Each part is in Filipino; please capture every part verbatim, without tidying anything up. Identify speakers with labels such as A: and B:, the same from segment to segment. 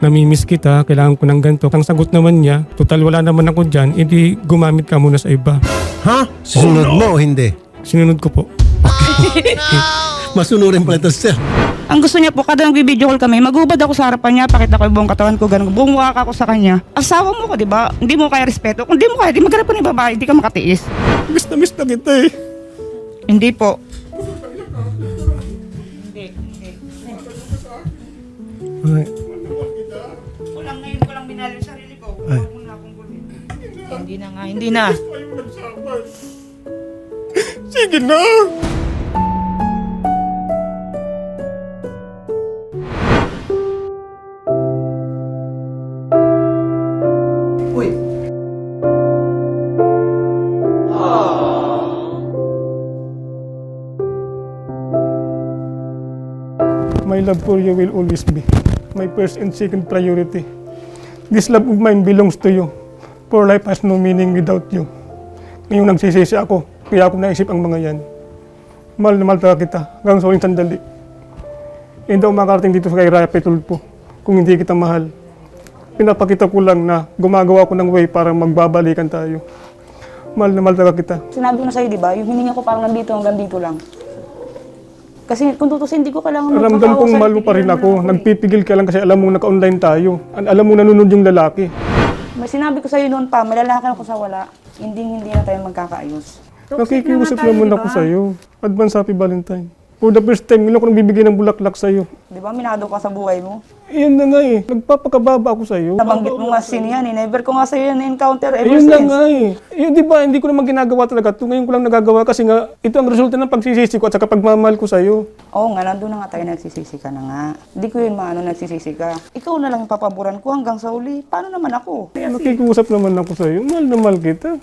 A: namimiss kita, kailangan ko ng ganito. Ang sagot naman niya, total wala naman ako dyan, edi gumamit ka muna sa iba.
B: Ha? Susunod mo o hindi?
A: Sinunod ko po.
B: Masunurin pala ito, sir.
C: Ang gusto niya po, kada nag-video call kami, magubad ako sa harapan niya, pakita ko yung buong katawan ko, ganun, bumuha ako sa kanya. Asawa mo ko, di ba? Hindi mo kaya respeto. Kung hindi mo kaya, di maghanap pa ng babae, di ka makatiis.
A: Miss na miss na kita eh.
C: Hindi po.
A: Ay,
C: Kulang ngayon ko lang minali yung sarili ko. Huwag mo na akong gulin. Hindi na nga, hindi na.
A: sige na.
B: Uy.
A: My love for you will always be my first and second priority. This love of mine belongs to you. For life has no meaning without you. Ngayong nagsisisi ako, kaya ako naisip ang mga yan. Mahal na mahal talaga kita, hanggang sa huling sandali. Hindi ako makarating dito sa kay Raya Petulpo kung hindi kita mahal. Pinapakita ko lang na gumagawa ko ng way para magbabalikan tayo. Mahal na mahal talaga kita.
C: Sinabi ko na sa'yo, di ba? Yung hininga ko parang nandito hanggang dito lang. Kasi kung tutusin, hindi ko kailangan
A: Ramdam kong mahal mo pa rin ako. Nagpipigil ka lang kasi alam mong naka-online tayo. Alam mo nanonood yung lalaki.
C: May sinabi ko sa'yo noon pa, may lalaki ako sa wala. Hindi, hindi na tayo magkakaayos.
A: Nakikiusap naman ako sa'yo. Advance Happy Valentine. For the first time, ngayon ako nang bibigay ng bulaklak sa'yo.
C: Di ba, minado ka sa buhay mo?
A: Iyan na nga eh. Nagpapakababa ako sa'yo.
C: Nabanggit mo nga sin yan eh. Never ko nga sa'yo yan na-encounter ever
A: Ayun na
C: since.
A: nga eh. Yun, di ba, hindi ko naman ginagawa talaga ito. Ngayon ko lang nagagawa kasi nga, ito ang resulta ng pagsisisi ko at saka pagmamahal ko sa'yo.
C: Oo nga, nandun na nga tayo, nagsisisi ka na nga. Hindi ko yun maano nagsisisi ka. Ikaw na lang yung papaboran ko hanggang sa uli. Paano naman ako?
A: Nakikiusap naman ako sa'yo. Mahal na mahal kita.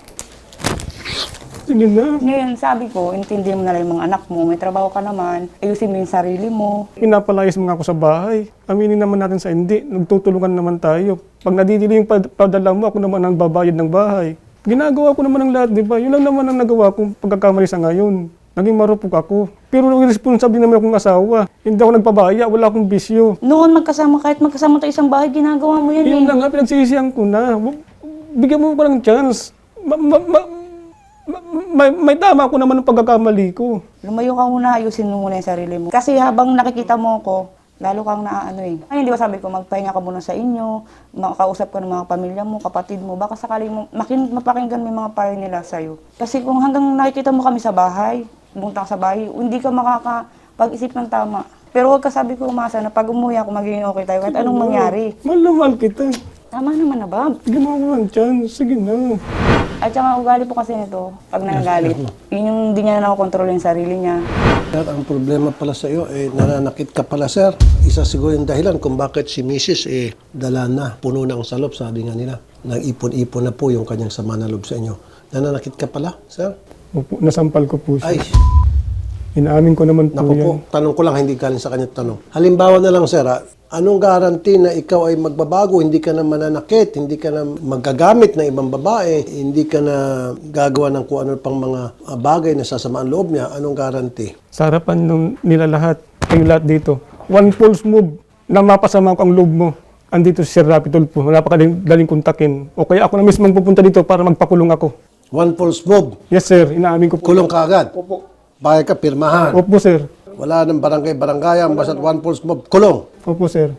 A: Sige na.
C: Ngayon, sabi ko, intindihin mo na lang yung mga anak mo. May trabaho ka naman. Ayusin mo yung sarili mo.
A: Pinapalayas mo nga ako sa bahay. Aminin naman natin sa hindi. Nagtutulungan naman tayo. Pag nadidili yung pad- padala mo, ako naman ang babayad ng bahay. Ginagawa ko naman ang lahat, di ba? Yun lang naman ang nagawa kong pagkakamali sa ngayon. Naging marupok ako. Pero responsible naman akong asawa. Hindi ako nagpabaya, wala akong bisyo.
C: Noon magkasama, kahit magkasama tayo isang bahay, ginagawa mo yan
A: Yun
C: eh.
A: lang nga, pinagsisihan ko na. Bigyan mo ko ng chance. Ma- ma- ma- ma- may, may tama ko naman ng pagkakamali ko.
C: Lumayo ka muna, ayusin mo muna yung sarili mo. Kasi habang nakikita mo ako, lalo kang naaano eh. Ay, hindi ba sabi ko, magpahinga ka muna sa inyo, makausap ka ng mga pamilya mo, kapatid mo, baka sakaling mo, makin, mapakinggan mo yung mga payo nila sa'yo. Kasi kung hanggang nakikita mo kami sa bahay, pumunta ka sa bahay, hindi ka makakapag-isip ng tama. Pero huwag ka sabi ko umasa na pag umuwi ako, magiging okay tayo kahit anong mangyari.
A: Mahal na mahal kita.
C: Tama naman na, Bob.
A: Bigyan mo ako ng chance. Sige na.
C: At saka ugali po kasi nito, pag nanagalit, yun yung hindi niya na nakokontrol yung sarili niya.
B: Sir, ang problema pala sa iyo, eh, nananakit ka pala, sir. Isa siguro yung dahilan kung bakit si Missus eh, dala na, puno ng salop, sabi nga nila. Nag-ipon-ipon na po yung kanyang sama na loob sa inyo. Nananakit ka pala, sir?
A: Opo, nasampal ko po siya.
B: Ay,
A: Inaamin ko naman po
B: naku
A: yan.
B: po, tanong ko lang, hindi galing sa kanya tanong. Halimbawa na lang, sir, ah, anong guarantee na ikaw ay magbabago, hindi ka na mananakit, hindi ka na magagamit ng ibang babae, hindi ka na gagawa ng kung ano pang mga ah, bagay na sasama ang loob niya, anong guarantee?
A: Sa harapan nung nila lahat, kayo lahat dito, one false move na mapasama ko ang loob mo. Andito si Sir Rapi Tulfo, napakadaling daling kontakin. O kaya ako na mismo pupunta dito para magpakulong ako.
B: One false move,
A: Yes sir, inaamin ko po.
B: kulong ka agad.
A: Opo.
B: Bakit ka, pirmahan.
A: Opo sir.
B: Wala ng barangay-barangayan, basta one false move, kulong.
A: Opo sir.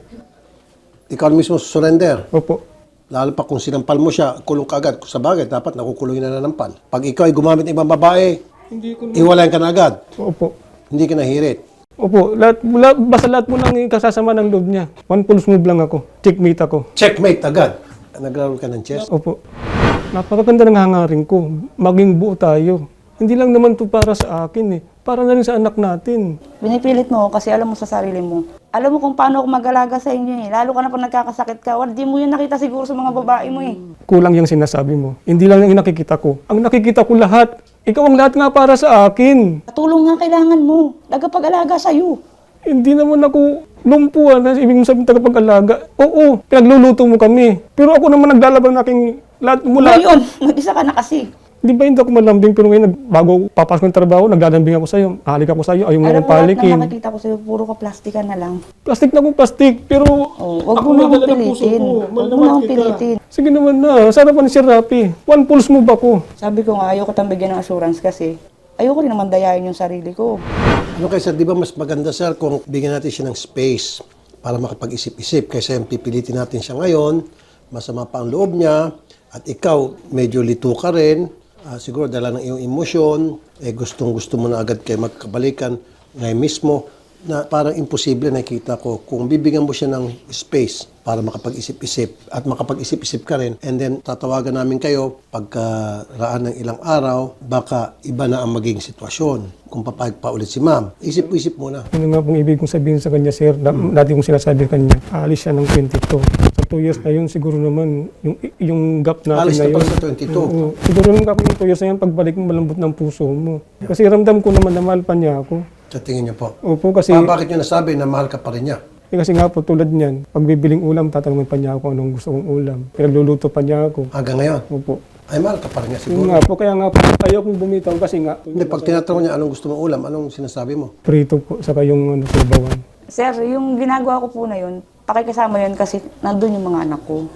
B: Ikaw mismo surrender.
A: Opo.
B: Lalo pa kung sinampal mo siya, kulong ka agad. Sa bagay, dapat nakukulong na nanampal. Pag ikaw ay gumamit ng ibang babae,
A: Hindi ko
B: iwalayan ka na agad.
A: Opo.
B: Hindi ka nahirit.
A: Opo, lahat, lahat, basta lahat po nang kasasama ng loob niya. One false move lang ako. Checkmate ako.
B: Checkmate agad. Naglaro ka ng chess.
A: Opo. Napakaganda ng hangarin ko. Maging buo tayo. Hindi lang naman to para sa akin eh. Para na rin sa anak natin.
C: Binipilit mo ako kasi alam mo sa sarili mo. Alam mo kung paano ako mag-alaga sa inyo eh. Lalo ka na pag nagkakasakit ka, hindi mo yun nakita siguro sa mga babae mo eh.
A: Kulang yung sinasabi mo. Hindi lang yung nakikita ko. Ang nakikita ko lahat. Ikaw ang lahat nga para sa akin.
C: Katulong nga kailangan mo. Tagapag-alaga sa'yo.
A: Hindi naman ako lumpuan. Ibig sabihin tagapag-alaga. Oo, pinagluluto mo kami. Pero ako naman naglalaban ng aking lahat mula.
C: Ngayon, mag-isa ka na kasi.
A: Di ba hindi ako malambing, pero ngayon, nag- bago papasok ng trabaho, naglalambing ako sa'yo. Halik ako sa'yo, ayaw mo
C: Alam
A: akong
C: mo, lahat
A: palikin.
C: na nakikita ko sa'yo, puro ka plastikan na lang.
A: Plastic na akong plastic, pero
C: Oh, wag
A: ako
C: mo na akong
A: nadala ng puso
C: pilitin.
A: ko.
C: Wag mo
A: Malaman
C: na akong
A: kita.
C: pilitin.
A: Sige naman na, sarapan ni Sir Rapi. One pulse mo ba ko?
C: Sabi ko nga, ayoko tang bigyan ng assurance kasi ayoko rin naman dayain yung sarili ko.
B: Ano kaya sir, di ba mas maganda sir kung bigyan natin siya ng space para makapag-isip-isip kaysa yung pipilitin natin siya ngayon, masama pa ang loob niya, at ikaw medyo lito ka rin, ah, siguro dala ng iyong emosyon, eh gustong gusto mo na agad kayo magkabalikan ngayon mismo, na parang imposible nakikita ko kung bibigyan mo siya ng space para makapag-isip-isip at makapag-isip-isip ka rin, and then tatawagan namin kayo pagkaraan ng ilang araw, baka iba na ang magiging sitwasyon kung papayag pa ulit si ma'am. Isip-isip muna.
A: Ano nga pong ibig kong sabihin sa kanya, Sir? Na, dati kong sinasabi sa kanya, aalis siya ng twenty-two. Sa two years na yun, siguro naman, yung, yung gap natin
B: Alis
A: na
B: na
A: yun.
B: pala sa twenty-two.
A: Oo. Siguro naman gap yung two years na yun, pagbalik mo malambot ng puso mo. Kasi ramdam ko naman na mahal pa niya ako.
B: Sa tingin niyo po.
A: Opo, kasi,
B: Pa, bakit niyo nasabi na mahal ka pa rin niya?
A: eh, kasi nga po tulad niyan, pag bibiling ulam, tatanungin pa niya ako anong gusto kong ulam. Pinagluluto pa niya ako.
B: Hanggang ngayon?
A: Opo.
B: Ay, mahal ka pa rin niya
A: Yun
B: siguro.
A: nga po, kaya nga po, ayaw kong bumitaw kasi nga,
B: Hindi, pag tinatanong niya anong gusto mong ulam, anong sinasabi mo?
A: prito po, saka yung ano, subawan.
C: Sir, yung ginagawa ko po na yun, pakikasama yun kasi nandun yung mga anak ko.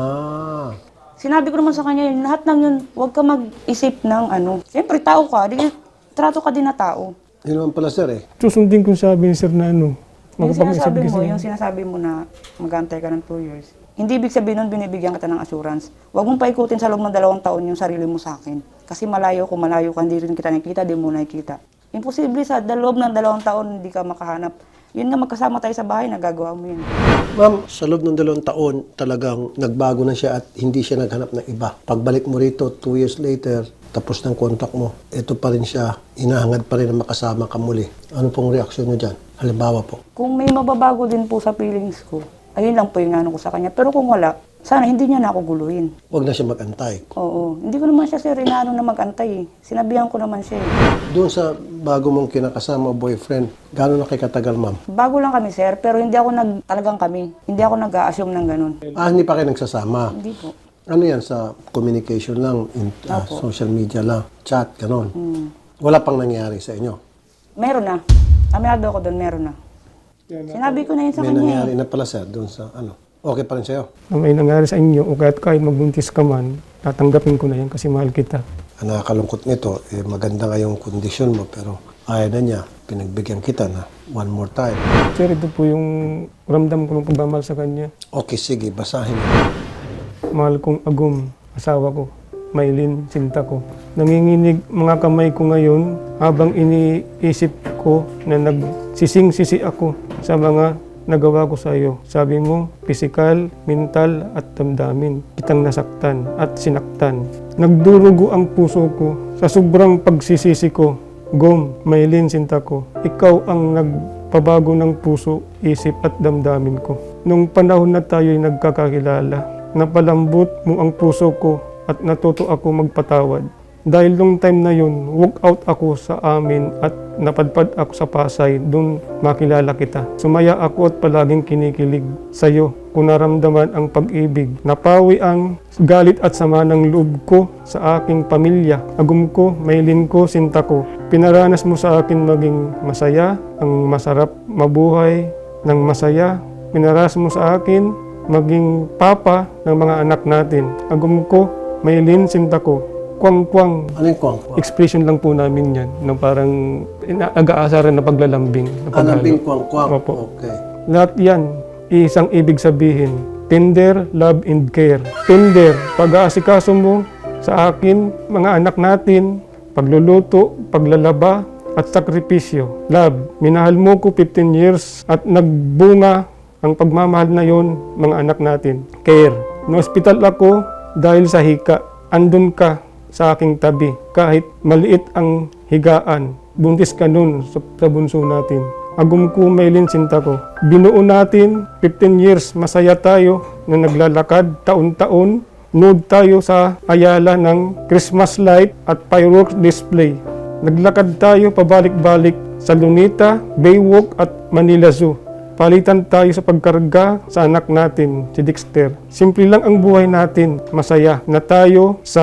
B: Ah,
C: Sinabi ko naman sa kanya yun, lahat ng yun, huwag ka mag-isip ng ano. Siyempre, tao ka, di, trato ka din na tao.
B: yun naman pala sir eh.
A: Susundin ko sabi ni Sir na ano,
C: Yung
A: makapag-isip
C: sinasabi mo,
A: kasi.
C: yung sinasabi mo na mag-antay ka ng two years, hindi ibig sabihin nun binibigyan kita ng assurance. Huwag mong paikutin sa loob ng dalawang taon yung sarili mo sa akin. Kasi malayo ko, malayo ka, hindi rin kita nakikita, di mo nakikita. Imposible sa loob ng dalawang taon hindi ka makahanap. Yun nga, magkasama tayo sa bahay, nagagawa mo yun.
B: Ma'am, sa loob ng dalawang taon, talagang nagbago na siya at hindi siya naghanap ng iba. Pagbalik mo rito, two years later, tapos ng contact mo, ito pa rin siya, inahangad pa rin na makasama ka muli. Ano pong reaksyon niyo dyan? Halimbawa po.
C: Kung may mababago din po sa feelings ko, ayun lang po yung ano ko sa kanya. Pero kung wala, sana hindi niya na ako guluhin.
B: Huwag na siya mag-antay.
C: Oo. Hindi ko naman siya sir, inaano na mag-antay eh. Sinabihan ko naman siya eh.
B: Doon sa bago mong kinakasama boyfriend, gaano na kay katagal, ma'am?
C: Bago lang kami sir, pero hindi ako nag, talagang kami. Hindi ako nag-a-assume ng ganun.
B: Ah, hindi pa kayo nagsasama.
C: Hindi po.
B: Ano yan, sa communication lang, in, ah,
C: Opo.
B: social media lang, chat, ganon.
C: Hmm.
B: Wala pang nangyari sa inyo.
C: Meron na. Aminado ako doon, meron na. Sinabi ko na yun sa
B: May
C: kanya
B: nangyari
C: eh.
B: na pala sir, doon sa ano. Okay pa rin sa'yo.
A: Na may nangyari sa inyo, o kahit kahit magbuntis ka man, tatanggapin ko na yan kasi mahal kita.
B: Ang nakakalungkot nito, eh, maganda nga yung kondisyon mo, pero ayaw na niya, pinagbigyan kita na one more time.
A: Sir, ito po yung ramdam ko ng pagmamahal sa kanya.
B: Okay, sige, basahin mo.
A: Mahal kong Agum, asawa ko, Maylin, sinta ko. Nanginginig mga kamay ko ngayon habang iniisip ko na nagsising-sisi ako sa mga nagawa ko sa iyo. Sabi mo, pisikal, mental at damdamin. Kitang nasaktan at sinaktan. Nagdurugo ang puso ko sa sobrang pagsisisi ko. Gom, Maylin, sinta ko. Ikaw ang nagpabago ng puso, isip at damdamin ko. Nung panahon na tayo'y nagkakakilala, napalambot mo ang puso ko at natuto ako magpatawad. Dahil nung time na yun, walk out ako sa amin at napadpad ako sa Pasay, doon makilala kita. Sumaya ako at palaging kinikilig sa iyo kung naramdaman ang pag-ibig. Napawi ang galit at sama ng loob ko sa aking pamilya. Agum ko, Maylin ko, sinta ko. Pinaranas mo sa akin maging masaya, ang masarap mabuhay ng masaya. Pinaranas mo sa akin maging papa ng mga anak natin. Agum ko, Maylin, sinta ko. Kwang-kwang.
B: Ano yung kwang?
A: Expression lang po namin yan. Ng parang nag-aasaran na paglalambing. Na paghalo.
B: Anabing kwang-kwang?
A: Opo.
B: Okay.
A: Lahat yan, isang ibig sabihin. Tender, love, and care. Tender, pag-aasikaso mo sa akin, mga anak natin, pagluluto, paglalaba, at sakripisyo. Love, minahal mo ko fifteen years at nagbunga ang pagmamahal na yon mga anak natin. Care, na-hospital ako dahil sa hika. Andun ka sa aking tabi. Kahit maliit ang higaan, buntis ka nun sa, sa bunso natin. Agum ko, Maylin, sinta ko. Binuo natin, fifteen years, masaya tayo na naglalakad taon-taon. Nude tayo sa Ayala ng Christmas light at fireworks display. Naglakad tayo pabalik-balik sa Lunita, Baywalk at Manila Zoo. Palitan tayo sa pagkarga sa anak natin, si Dexter. Simple lang ang buhay natin, masaya na tayo sa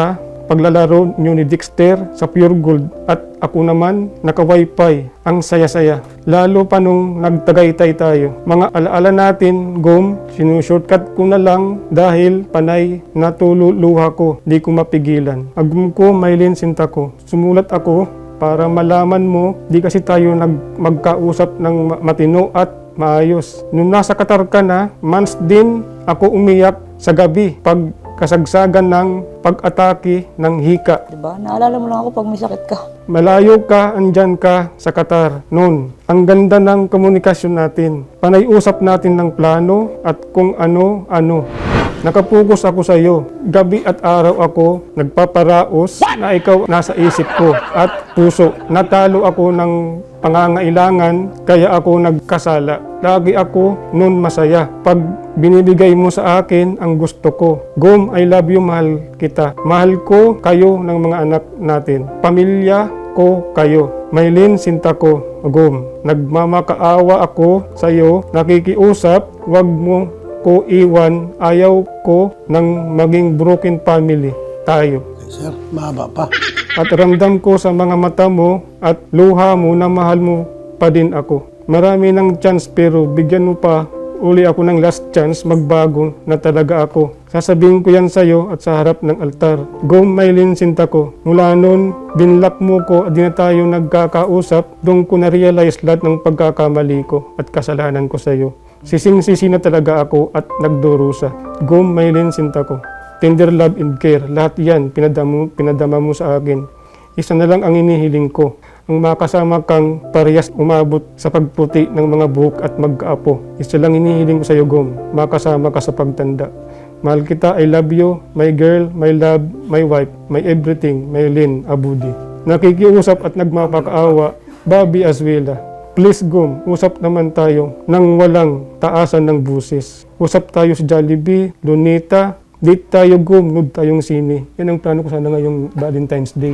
A: paglalaro nyo ni Dexter sa Pure Gold at ako naman naka-wifi. Ang saya-saya. Lalo pa nung nagtagaytay tayo. Mga alaala natin, Gom, sinushortcut ko na lang dahil panay natululuha ko. Di ko mapigilan. Agum ko, Maylin Sinta ko. Sumulat ako para malaman mo, di kasi tayo nag magkausap ng ma- matino at maayos. Nung nasa Qatar ka na, months din ako umiyak sa gabi pag kasagsagan ng pag-atake ng hika.
C: Diba? Naalala mo lang ako pag may sakit ka.
A: Malayo ka, andyan ka sa Qatar noon. Ang ganda ng komunikasyon natin. Panay-usap natin ng plano at kung ano-ano. Nakapokus ako sa iyo. Gabi at araw ako nagpaparaos na ikaw nasa isip ko at puso. Natalo ako ng pangangailangan kaya ako nagkasala. Lagi ako noon masaya. Pag binibigay mo sa akin ang gusto ko. Gom, I love you, mahal kita. Mahal ko kayo ng mga anak natin. Pamilya ko kayo. Maylin Sinta ko. Gom, nagmamakaawa ako sa iyo. Nakikiusap, wag mo ko iwan, ayaw ko ng maging broken family tayo.
B: Sir, mahaba pa.
A: At ramdam ko sa mga mata mo at luha mo na mahal mo pa din ako. Marami ng chance pero bigyan mo pa uli ako ng last chance magbago na talaga ako. Sasabihin ko yan sa iyo at sa harap ng altar. Gom, Maylin Sinta ko. Mula noon, binlock mo ko at di na tayo nagkakausap. Doon ko na-realize lahat ng pagkakamali ko at kasalanan ko sa iyo. Sising-sisi na talaga ako at nagdurusa. Gom, Maylin Sinta ko. Tender love and care. Lahat yan, pinadama, pinadama mo sa akin. Isa na lang ang inihiling ko. Ang makasama kang parehas umabot sa pagputi ng mga buhok at magkaapo. Isa lang inihiling ko sa iyo, Gom. Makasama ka sa pagtanda. Mahal kita, I love you, my girl, my love, my wife, my everything, Maylin Abudi. Nakikiusap at nagmapakaawa, Bobby Azuela. Please, Gom, usap naman tayo nang walang taasan ng busis. Usap tayo sa Jollibee, Lunita, date tayo, Gom, nude tayong sine. Yan ang plano ko sana ngayong Valentine's Day.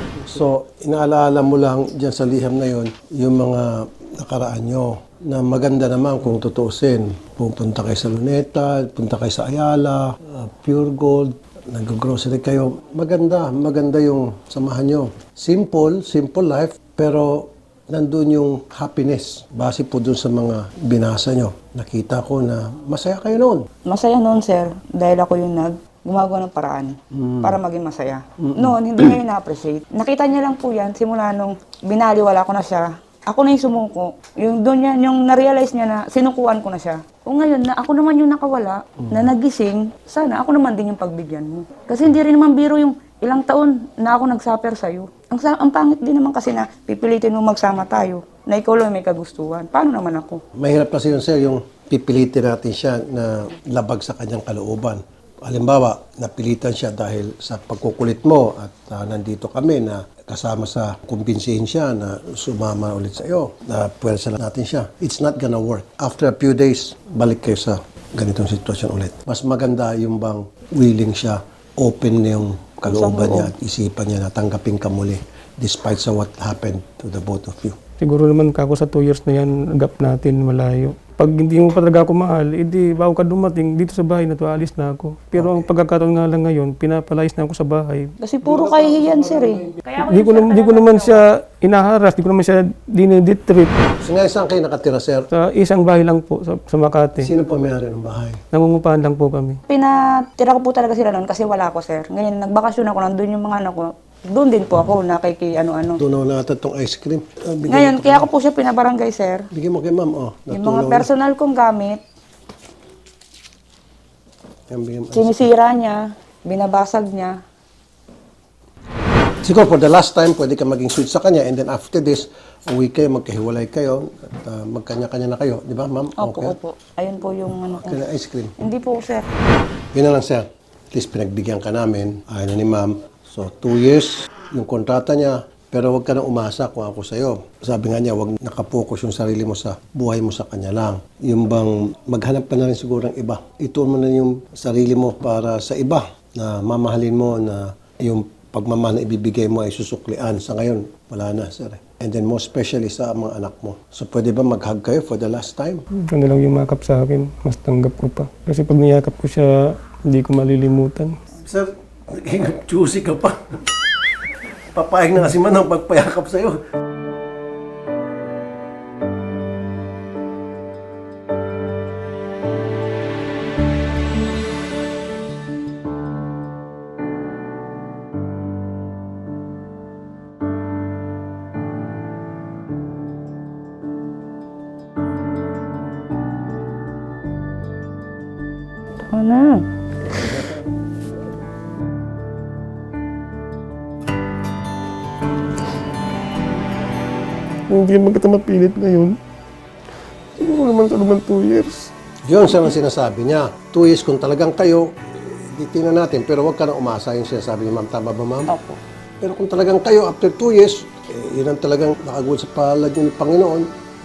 B: So, inaalaala mo lang dyan sa liham na yon yung mga nakaraan nyo na maganda naman kung tutuusin. Pupunta kayo sa Luneta, punta kayo sa Ayala, uh, Pure Gold, nag-grocery kayo. Maganda, maganda yung samahan nyo. Simple, simple life, pero nandun yung happiness. Base po dun sa mga binasa nyo. Nakita ko na masaya kayo noon.
C: Masaya noon, sir, dahil ako yung nag gumagawa ng paraan para maging masaya. Noon, hindi niya yung na-appreciate. Nakita niya lang po yan, simula nung binaliwala ko na siya. Ako na yung sumuko. Yung doon niya, yung na-realize niya na sinukuan ko na siya. O ngayon, na ako naman yung nakawala, na nagising, sana ako naman din yung pagbigyan mo. Kasi hindi rin naman biro yung ilang taon na ako nag-suffer sa'yo. Ang, sa- ang pangit din naman kasi na pipilitin mo magsama tayo, na ikaw lang may kagustuhan. Paano naman ako?
B: Mahirap kasi yun, sir, yung pipilitin natin siya na labag sa kanyang kalooban. Halimbawa, napilitan siya dahil sa pagkukulit mo at uh, nandito kami na kasama sa kumbinsihin siya na sumama ulit sa iyo, na pwersa natin siya. It's not gonna work. After a few days, balik kayo sa ganitong sitwasyon ulit. Mas maganda yung bang willing siya, open na yung kalooban niya at isipan niya na tanggapin ka muli despite sa what happened to the both of you.
A: Siguro naman kako sa two years na yan, gap natin malayo. Pag hindi mo pa talaga ako mahal, edi bago ka dumating, dito sa bahay na to, alis na ako. Pero ang pagkakataon nga lang ngayon, pinapalayas na ako sa bahay.
C: Kasi puro kahihiyan, sir eh. Kaya
A: Di ko, nam- di ko naman siya inaharas, di ko naman siya diniditrip.
B: So ngayon saan kayo nakatira, sir?
A: Sa isang bahay lang po, sa, sa Makati.
B: Sino po may-ari ng bahay?
A: Nangungupahan lang po kami.
C: Pinatira ko po talaga sila noon kasi wala ako, sir. Ngayon, nagbakasyon ako, nandun yung mga anak ko. Doon din po ako, nakiki ano-ano.
B: Tunaw na ata itong ice cream. Ah, bigyan
C: Ngayon,
B: mo-
C: kaya ako po siya pinabarangay, sir.
B: Bigyan mo kay ma'am, oh.
C: Yung
B: Natunaw
C: mga
B: na.
C: personal kong gamit,
B: Yan, bigyan mo.
C: sinisira niya, binabasag niya.
B: Siguro for the last time, pwede ka maging sweet sa kanya and then after this, uwi kayo, magkahiwalay kayo at ah, magkanya-kanya na kayo. Di ba, ma'am?
C: Opo,
B: Okay.
C: opo. Ayun po yung ano ko.
B: Kaya ice cream.
C: Hindi po, sir.
B: Yun na lang, sir. At least pinagbigyan ka namin. Ayaw na ni ma'am. So, two years, yung kontrata niya. Pero huwag ka na umasa kung ako sa'yo. Sabi nga niya, huwag nakapokus yung sarili mo sa buhay mo sa kanya lang. Yung bang maghanap ka na rin siguro ng iba. Ituon mo na yung sarili mo para sa iba na mamahalin mo na yung pagmamahal na ibibigay mo ay susuklian. Sa ngayon, wala na, sir. And then most especially sa mga anak mo. So pwede ba mag-hug kayo for the last time?
A: Ano lang yung makap sa akin, mas tanggap ko pa. Kasi pag niyakap ko siya, hindi ko malilimutan.
B: Sir, Naging juicy ka pa. Papayag na kasi man ang pagpayakap sa'yo.
C: Ano na?
A: Hindi man kita mapilit ngayon. Siguro naman sa naman two years.
B: Yun siya ang sinasabi niya. Two years kung talagang kayo, di tingnan natin. Pero huwag ka nang umasa yung sinasabi niya, ma'am. Tama ba, ma'am?
C: Opo.
B: Pero kung talagang kayo, after two years, eh, yun ang talagang nakagod sa palad niyo ni Panginoon,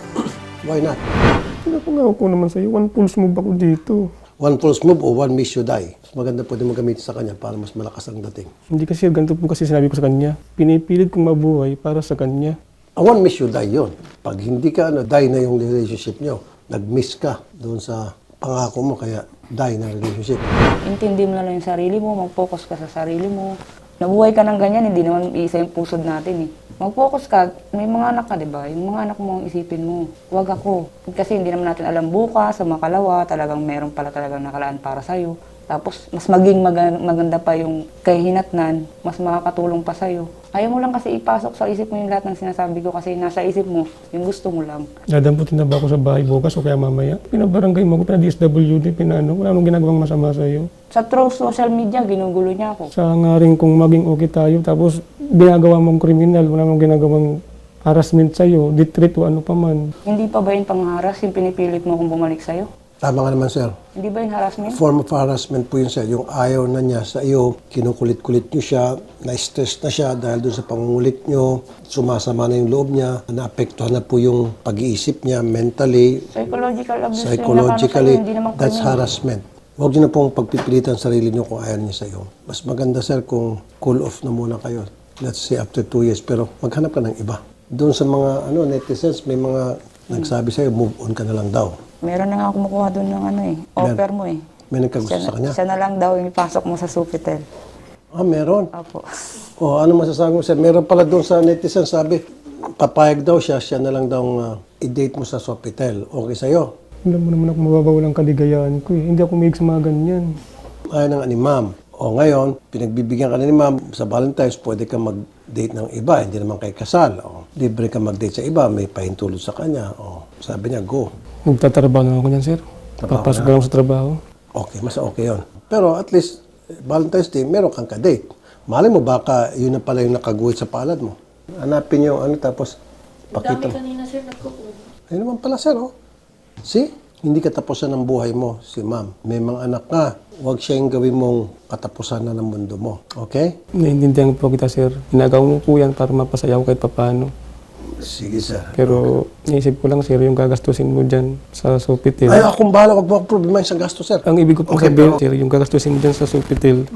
B: why not?
A: Pinapangako ko naman sa'yo, one pulse move ako dito.
B: One false move o one miss you die. Mas maganda pwede mo gamitin sa kanya para mas malakas ang dating.
A: Hindi kasi, ganito po kasi sinabi ko sa kanya. Pinipilit kong mabuhay para sa kanya.
B: A one miss you die yun. Pag hindi ka, ano, die na yung relationship nyo. Nag-miss ka doon sa pangako mo, kaya die na relationship.
C: Intindi mo na lang yung sarili mo, mag-focus ka sa sarili mo. Nabuhay ka ng ganyan, hindi naman isa yung pusod natin eh. Mag-focus ka, may mga anak ka, di ba? Yung mga anak mo ang isipin mo. Huwag ako. Kasi hindi naman natin alam bukas, sa makalawa, talagang meron pala talagang nakalaan para sa'yo. Tapos, mas maging maga- maganda pa yung kahinatnan, mas makakatulong pa sa'yo. Ayaw mo lang kasi ipasok sa isip mo yung lahat ng sinasabi ko kasi nasa isip mo, yung gusto mo lang.
A: Dadamputin na ba ako sa bahay bukas o kaya mamaya? Pinabarangay mo ako, pina-D S W D, pinano. Wala nang ginagawang masama sa'yo.
C: Sa true social media, ginugulo niya ako.
A: Sa nga rin kung maging okay tayo, tapos ginagawa mong kriminal, wala nang ginagawang harassment sa'yo, ditreat o ano pa man.
C: Hindi pa ba yun pangharas yung pinipilit mo kung bumalik sa'yo?
B: Tama nga naman, sir.
C: Hindi ba yun harassment?
B: Form of harassment po yun, sir. Yung ayaw na niya sa iyo, kinukulit-kulit niyo siya, na-stress na siya dahil doon sa pangungulit niyo, sumasama na yung loob niya, naapektuhan na po yung pag-iisip niya mentally,
C: Psychological abuse yung
B: psychologically.
C: nakano sa'yo, hindi naman
B: That's
C: criminal.
B: harassment. Huwag niyo na pong pagpipilitan sarili niyo kung ayaw niya sa iyo. Mas maganda, sir, kung cool off na muna kayo. Let's say after two years, pero maghanap ka ng iba. Doon sa mga ano netizens, may mga nagsabi sa'yo, move on ka na lang daw.
C: Meron na nga kumukuha doon ng ano eh, offer mo eh.
B: May nagkagusto
C: Siya,
B: sa kanya.
C: siya na lang daw yung ipasok mo sa Supitel.
B: Ah, meron.
C: Opo.
B: O, ano masasabi mo, sir? Meron pala doon sa netizen, sabi, papayag daw siya, siya na lang daw uh, i-date mo sa Sofitel. Okay sa'yo?
A: Alam mo naman ako mababawalan kaligayahan ko eh. Hindi ako may sa mga ganyan.
B: Ayaw ng ni ma'am. O ngayon, pinagbibigyan ka na ni ma'am sa Valentine's, pwede ka mag-date ng iba, hindi naman kay kasal. O, libre ka mag-date sa iba, may pahintulot sa kanya. O, sabi niya, go.
A: Magtatrabaho na ako niyan, sir. Papasok ka lang sa trabaho.
B: Okay, mas okay yon. Pero at least, Valentine's Day, meron kang ka-date. Malay mo, baka yun na pala yung nakaguhit sa palad mo. Hanapin niyo yung ano, tapos pakita mo.
D: Kanina sir, nagkukuha.
B: Ayun naman pala, sir, oh. See? Hindi katapusan ng buhay mo, si ma'am. May mga anak ka. Huwag siya yung gawin mong katapusan na ng mundo mo. Okay?
A: Naiintindihan po kita, sir. Ginagawa mo po yan para mapasaya ko kahit papaano.
B: Sige, sir.
A: Pero naisip ko lang, sir, yung gagastusin mo dyan sa Sofitel.
B: Ay, akong bahala. Huwag mo akong problema sa gasto, sir.
A: Ang ibig ko pong
B: Okay,
A: sabihin,
B: pero-
A: sir, yung gagastusin mo dyan sa Sofitel,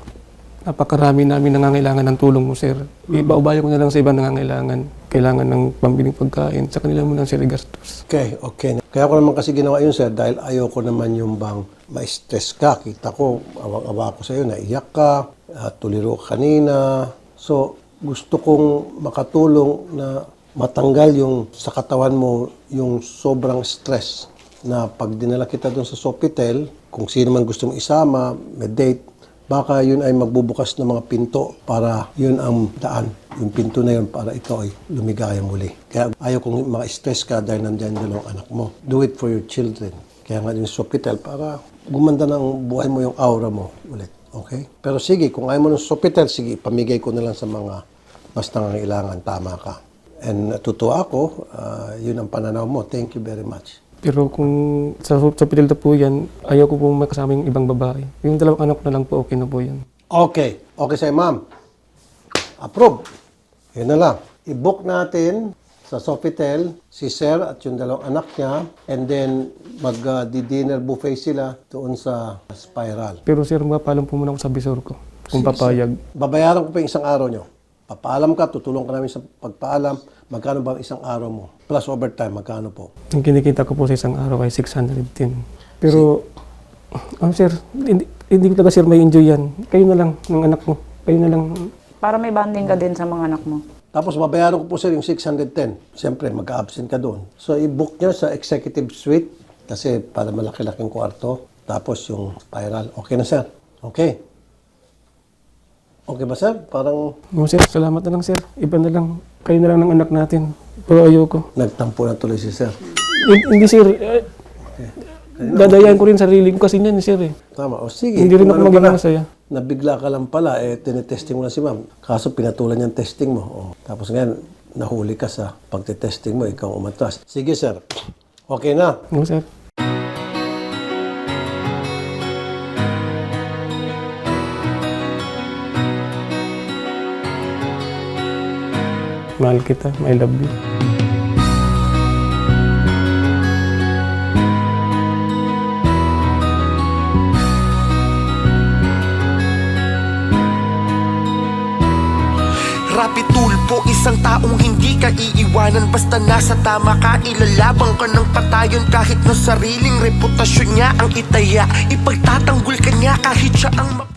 A: napakarami namin nangangailangan ng tulong mo, sir. Iba-ubaya ko na lang sa ibang nangangailangan. Kailangan ng pambiling pagkain. Sa kanila mo lang, sir, igastos.
B: Okay, okay. Kaya ko naman kasi ginawa yun, sir, dahil ayoko naman yung bang ma-stress ka. Kita ko, awang-awa ko sa'yo, naiyak ka, uh, tuliro ka kanina. So, gusto kong makatulong na matanggal yung sa katawan mo yung sobrang stress na pag dinala kita doon sa Sofitel, kung sino man gusto mong isama, may date, baka yun ay magbubukas ng mga pinto para yun ang daan. Yung pinto na yun para ikaw ay lumigaya muli. Kaya ayaw kong maka-stress ka dahil nandiyan yung dalawang anak mo. Do it for your children. Kaya nga yung Sofitel para gumanda ng buhay mo yung aura mo ulit. Okay? Pero sige, kung ayaw mo ng Sofitel, sige, pamigay ko na lang sa mga mas nangangailangan. Tama ka. And natutuwa ako, uh, yun ang pananaw mo. Thank you very much.
A: Pero kung sa Sofitel na po yan, ayaw ko pong makasama yung ibang babae. Yung dalawang anak ko na lang po, okay na po yan.
B: Okay. Okay sa'yo, ma'am. Approve. Yun na lang. I-book natin sa Sofitel si Sir at yung dalawang anak niya and then mag-dinner buffet sila doon sa Spiral.
A: Pero sir, mapapalam po muna ako sa bisor ko. Kung papayag.
B: Babayaran ko pa yung isang araw nyo. Papaalam ka, tutulong ka namin sa pagpaalam. Magkano ba ang isang araw mo? Plus overtime, magkano po?
A: Ang kinikita ko po sa isang araw ay six hundred ten. Pero, ano sir, hindi, hindi ko talaga sir may enjoy yan. Kayo na lang ng anak ko. Kayo na lang.
C: Para may bonding ka din sa mga anak mo.
B: Tapos babayaran ko po sir yung six hundred ten. Siyempre, magka-absent ka doon. So, i-book nyo sa executive suite kasi para malaki-laking kwarto. Tapos yung spiral. Okay na sir? Okay. Okay ba sir? Parang
A: No, sir, salamat na lang sir. Iba na lang. Kayo na lang ng anak natin. Pero ayoko.
B: nagtampo na tuloy si sir.
A: Hin- Hindi sir. Eh, dadayan ko rin sarili ko kasi niyan sir eh.
B: Tama. O sige.
A: Hindi rin
B: kung
A: ako
B: ano
A: maging
B: pala,
A: masaya.
B: Nabigla ka lang pala, eh, tinetesting mo na si ma'am. Kaso pinatulan niya ang testing mo. O, tapos ngayon, nahuli ka sa pagtitesting mo, ikaw umatras. Sige sir. Okay na.
A: No, sir. Mahal kita. I love you.
D: Rapi tulpo, isang taong hindi ka iiwanan. Basta nasa tama ka, ilalabang ka ng patayon. Kahit na sariling reputasyon niya ang itaya, ipagtatanggol ka niya kahit siya ang mapa-